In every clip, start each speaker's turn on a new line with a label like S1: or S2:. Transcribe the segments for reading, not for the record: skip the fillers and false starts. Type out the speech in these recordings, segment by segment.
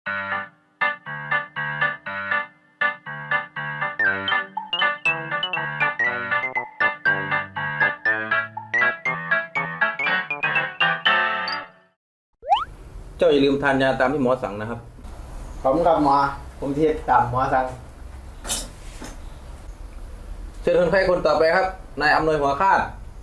S1: เจ้าอย่าลืมทานยาตามที่หมอสั่งนะครับ
S2: ผมกับหมอผมเทียบตามหมอสั่ง
S1: เชิญคนไข้คนต่อไปครับนายอำนวยหัวคาด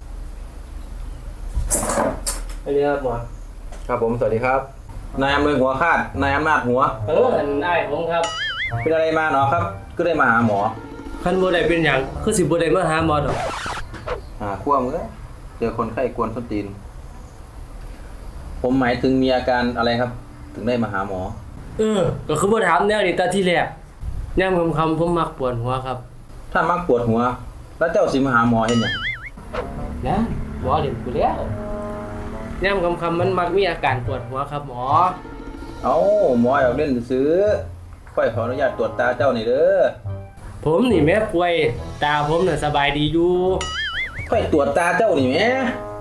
S2: สวัสดีครับหมอ
S1: ครับผมสวัสดีครับนายอำนวยหัวคาดนายอำนาจหัว
S3: อันอ้ายผมครับ
S1: เป็นอะไรมาเนาะครับก็ได้มาหาหมอ
S3: คันบ่ได้เป็นหยังคือสิบ่ได้มาหาหมอดอก
S1: ขั้วมือเจอคนไข้กวนส้นตีนผมหมายถึงมีอาการอะไรครับถึงได้มาหาหมอ
S3: ก็คือบ่ถามแนวนี้ตอนที่แรกยามค่ำๆผมมักปวดหัวครับ
S1: ถ้ามักปวดหัวแล้วเจ้าสิมาหาหมอเฮ็ดหยัง
S3: นะหมอเล่นกูแล้วยามค่ำๆมันมักมีอาการปวดหัวครับหมอ
S1: เอ้าหมออยากเล่นซื้อค่อยขออนุญาตตรวจตาเจ้าหน่อยเด้อ
S3: ผมนี่แม่ป่วยตาผมน่ะสบายดีอยู่
S1: ค่อยตรวจตาเจ้านี่แม่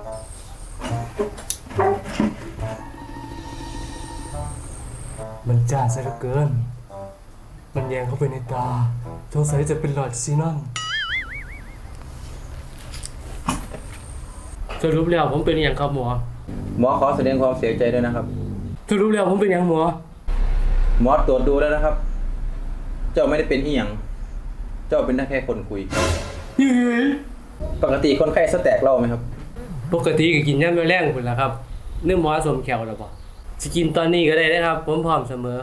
S4: มันจ้าซะเหลือเกินมันแยงเข้าไปในตาสงสัยจะเป็นหลอดซีนอน
S3: สรุปแล้วผมเป็นหยังครับหมอ
S1: หมอขอแสดงความเสียใจด้วยนะครับ
S3: สรุปแล้วผมเป็นหยังหมอ
S1: หมอตรวจดูแล้วนะครับ เจ้าไม่ได้เป็นอีหยังเจ้าเป็นแค่คนคุยปกติคนไข้สแตกเล่าไหมครับ
S3: ปกติก็กินยามมื้อแลงพุ่นล่ะครับเนื้อหมอสมแขวแล้วบ่สิกินตอนนี้ก็ได้นะครับผมพร้อมเสมอ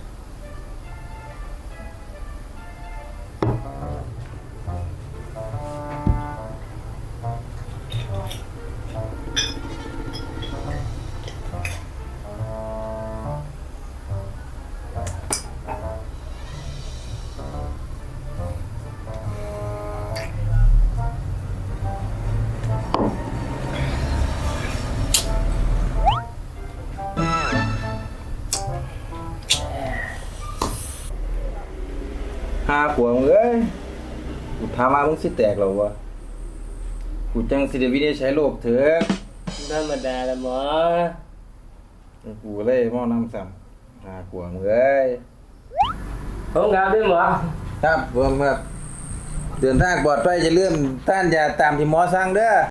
S1: หัวมึงเอ้ยกูถามมามึงสิแตกหรอวะกูจังสิได้วินิจฉัยโรคเถอะ
S3: ธรรมดาละหมอ
S1: กูเลยหม้อน้ำซ้ำหัวมึงเอ้ย
S3: ผมงามด้วยหมอ
S1: ครับผมครับเดินทางปลอดภัยอย่าลืมต้านยาตามที่หมอสั่งเด้อ